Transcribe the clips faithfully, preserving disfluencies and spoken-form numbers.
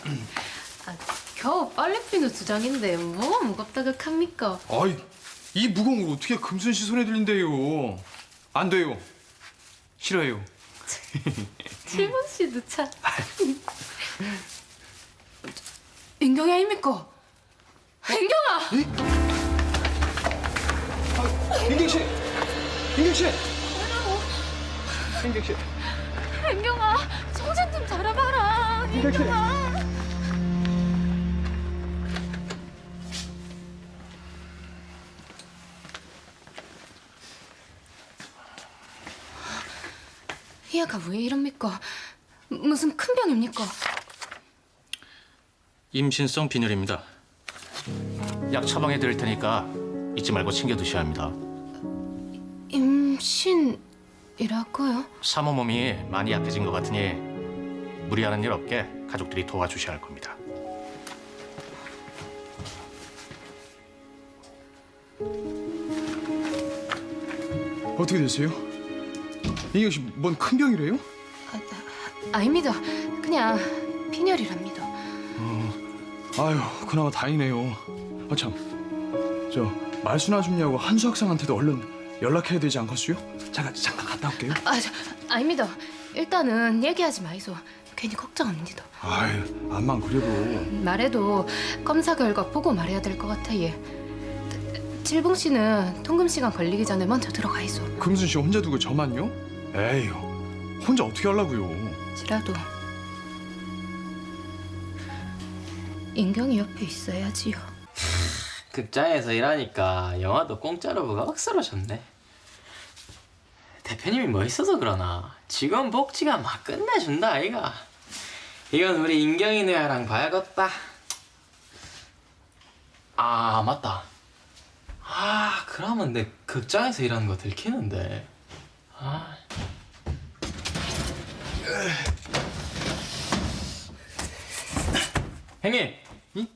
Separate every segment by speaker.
Speaker 1: 아, 겨우 빨래비누 두 장인데 뭐가 무겁다고 합니까?
Speaker 2: 아이, 이 무거운 걸 어떻게 금순 씨 손에 들린대요? 안 돼요. 싫어요.
Speaker 1: 칠번 씨도 참. 인경이 아닙니까? 인경아!
Speaker 2: 아, 인경 씨! 인경 씨! 인경 씨!
Speaker 1: 인경아, 정신 좀 차려봐라.
Speaker 2: 인경 씨!
Speaker 1: 인경아. 이 아가 왜 이럽니까? 무슨 큰 병입니까?
Speaker 3: 임신성 빈혈입니다. 약 처방해 드릴 테니까 잊지 말고 챙겨 드셔야 합니다.
Speaker 1: 임신이라고요?
Speaker 3: 사모 몸이 많이 약해진 것 같으니 무리하는 일 없게 가족들이 도와주셔야 할 겁니다.
Speaker 2: 어떻게 됐어요? 인경 씨, 뭔 큰 병이래요?
Speaker 1: 아, 아, 아닙니다. 그냥 빈혈이랍니다.
Speaker 2: 아유, 그나마 다행이네요. 아, 참. 저, 말수나 줍냐고 한수 학생한테도 얼른 연락해야 되지 않겠어요? 잠깐, 잠깐 갔다 올게요.
Speaker 1: 아, 저, 아닙니다. 일단은 얘기하지 마이소. 괜히 걱정합니다.
Speaker 2: 아유, 암만 그래도.
Speaker 1: 말해도 검사 결과 보고 말해야 될 것 같아, 얘. 칠봉 씨는 통금 시간 걸리기 전에 먼저 들어가 있어.
Speaker 2: 금순 씨 혼자 두고 저만요? 에휴, 혼자 어떻게 하려고요?
Speaker 1: 지라도 인경이 옆에 있어야지요.
Speaker 4: 극장에서 일하니까 영화도 공짜로 보가 억스러졌네. 대표님이 멋있어서 그러나 직원 복지가 막 끝내준다 아이가. 이건 우리 인경이 누나랑 봐야겠다. 아 맞다. 아 그러면 내 극장에서 일하는 거 들키는데. 아. 형님. 이?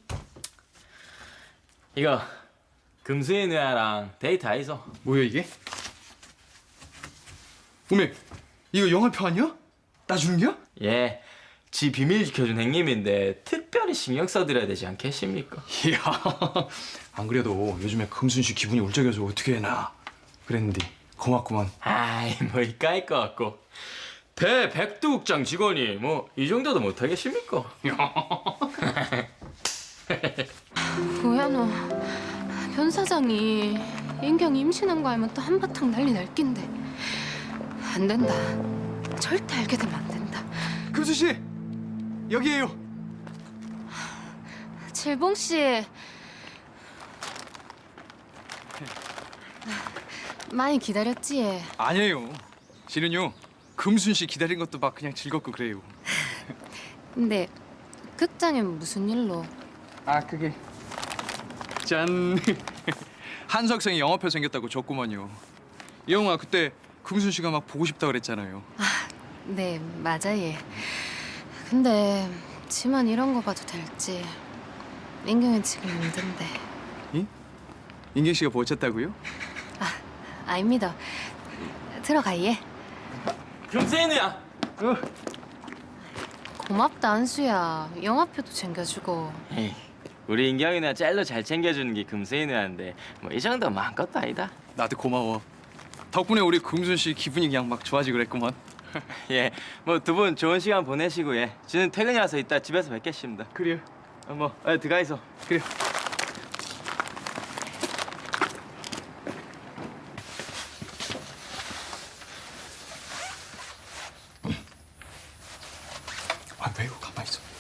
Speaker 4: 이거 금수희 누나랑 데이트 아이소.
Speaker 2: 뭐야 이게? 오메, 이거 영화표 아니야? 나 주는 게야?
Speaker 4: 예, 지 비밀 지켜준 형님인데 특별히 신경 써드려야 되지 않겠습니까?
Speaker 2: 이야, 안 그래도 요즘에 금순 씨 기분이 울적해서 어떻게 해나 그랬는데 고맙구만.
Speaker 4: 아이 뭐 이까일 것 같고 대 백두국장 직원이 뭐 이 정도도 못하겠습니까?
Speaker 1: 뭐야 너. 변 사장이 인경이 임신한 거 알면 또 한바탕 난리 날 낀데. 안 된다. 절대 알게 되면 안 된다.
Speaker 2: 금순 씨, 여기에요.
Speaker 1: 칠봉 씨. 많이 기다렸지?
Speaker 2: 아니에요. 실은요, 금순 씨 기다린 것도 막 그냥 즐겁고 그래요.
Speaker 1: 근데 극장에 무슨 일로?
Speaker 2: 아, 그게 짠. 한수 학생이 영화표 생겼다고 줬구만요. 이 영화 그때 금순 씨가 막 보고 싶다 그랬잖아요.
Speaker 1: 네, 맞아 얘. 근데 지만 이런 거 봐도 될지. 인경은 지금 힘든데.
Speaker 2: 이? 인경 씨가 보셨다고요?
Speaker 1: 아, 아닙니다. 들어가 얘.
Speaker 4: 금수희 누나.
Speaker 2: 어.
Speaker 1: 고맙다 안수야. 영화표도 챙겨주고.
Speaker 4: 에이, 우리 인경이 누나 짤로 잘 챙겨주는 게 금수희 누나인데 뭐 이 정도 마음껏도 아니다.
Speaker 2: 나도 고마워. 덕분에 우리 금순 씨 기분이 그냥 막 좋아지고 그랬구만.
Speaker 4: 예, 뭐 두 분 좋은 시간 보내시고 예, 저는 퇴근이라서 이따 집에서 뵙겠습니다.
Speaker 2: 그래요.
Speaker 4: 어, 뭐 예, 들어가 있어.
Speaker 2: 그래요. 아, 왜요? 가만히 있어.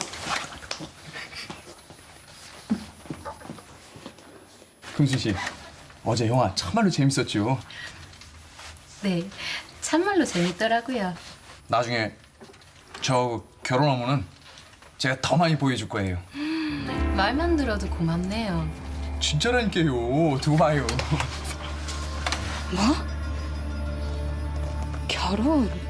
Speaker 2: 금순 씨, 어제 영화 참말로 재밌었죠?
Speaker 1: 네, 참말로 재밌더라고요.
Speaker 2: 나중에 저 결혼하면은 제가 더 많이 보여줄 거예요.
Speaker 1: 말만 들어도 고맙네요.
Speaker 2: 진짜라니까요. 두고 봐요.
Speaker 1: 뭐? 결혼?